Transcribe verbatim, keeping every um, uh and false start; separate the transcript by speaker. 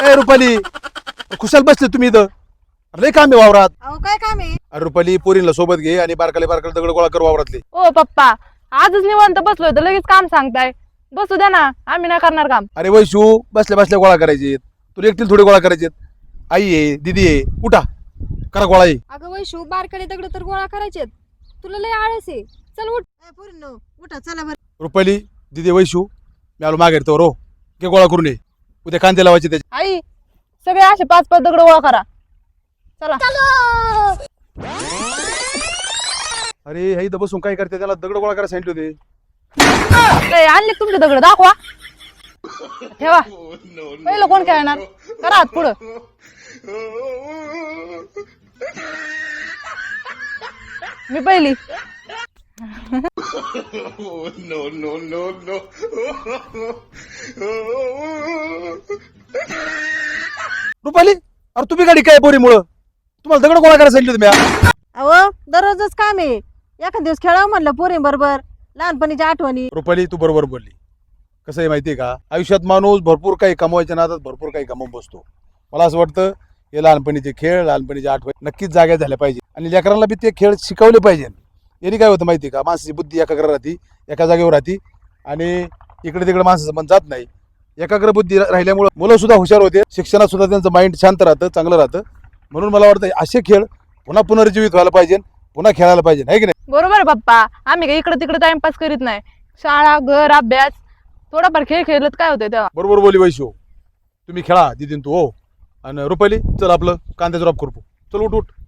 Speaker 1: ए रुपाली, खुशाल बसले तुम्ही इथं? लय काम आहे वावरात.
Speaker 2: अहो काय काम आहे?
Speaker 1: अरे रुपाली, पोरींला सोबत घे आणि बारकाले बारकाले दगड गोळा कर वावरातले.
Speaker 3: ओ पप्पा, आजच निवांत बसलोय तर लगेच काम सांगताय. बसू द्या ना, आम्ही नाही करणार काम.
Speaker 1: अरे वैशू, बसल्या बसल्या गोळा करायचे. तुला एकटील थोडे गोळा करायचे. आई आहे, दीदी आहे, उठा करा गोळा आहे.
Speaker 2: अगं वैशू, बारकडे दगड तर गोळा करायचेत. तुला लय आळस आहे. चल उठ. ए पोरींनो, उठा चला बरं.
Speaker 1: रुपाली, दीदी, वैशू, मी आलो मागे तो रो घे गोळा करून ये. उद्या कांदे लावायचे त्याचे.
Speaker 3: आई, सगळे असे पाच पाच दगड गोळा करा. चला.
Speaker 1: अरे हे इथं बसून काय करते? त्याला दगड गोळा करायला सांगितले होते.
Speaker 3: ए, आणले तुमचे दगड, दाखवा. ठेवा. पहिलं कोण खेळणार? करा हात पुढं. मी पहिली.
Speaker 1: रुपाली, अरे तुम्ही गाडी काय पोरीमुळं? तुम्हाला दगड गोळा करायला सांगितले होते मी.
Speaker 2: अहो दररोजच काम आहे. एखाद दिवस खेळावं म्हणलं पोरी बरोबर, लहानपणीच्या आठवणी.
Speaker 1: रुपाली, तू बरोबर बोलली. कसं आहे माहितीये का, आयुष्यात माणूस भरपूर काही कमवायच्या नादात भरपूर काही कमवून बसतो. मला असं वाटतं हे लहानपणीचे खेळ, लहानपणीच्या आठवणी नक्कीच जाग्या झाल्या पाहिजे आणि लेकरांना बी ते खेळ शिकवले पाहिजे. याने काय होतं माहिती का, माणसाची बुद्धी एकाग्र राहते, एका जागेवर राहते आणि इकडे तिकडे माणसाचं मन जात नाही. एकाग्र बुद्धी राहिल्यामुळे मुलं सुद्धा हुशार होते, शिक्षणात सुद्धा त्यांचं माइंड शांत राहतं, चांगलं राहतं. म्हणून मला वाटतं असे खेळ पुन्हा पुनर्जीवित व्हायला पाहिजे, पुन्हा खेळायला पाहिजे, आहे की नाही?
Speaker 3: बरोबर आहे पप्पा. आम्ही काही इकडे तिकडे टाइमपास करीत नाही. शाळा, घर, अभ्यास, थोडाफार खेळ खेळत काय होतंय तेव्हा.
Speaker 1: बरोबर बोली वैशू. तुम्ही खेळा दीदीन तू. हो. आणि रुपाली, चल आपलं कांद्याचं रॉप करू. चल उठ उठ.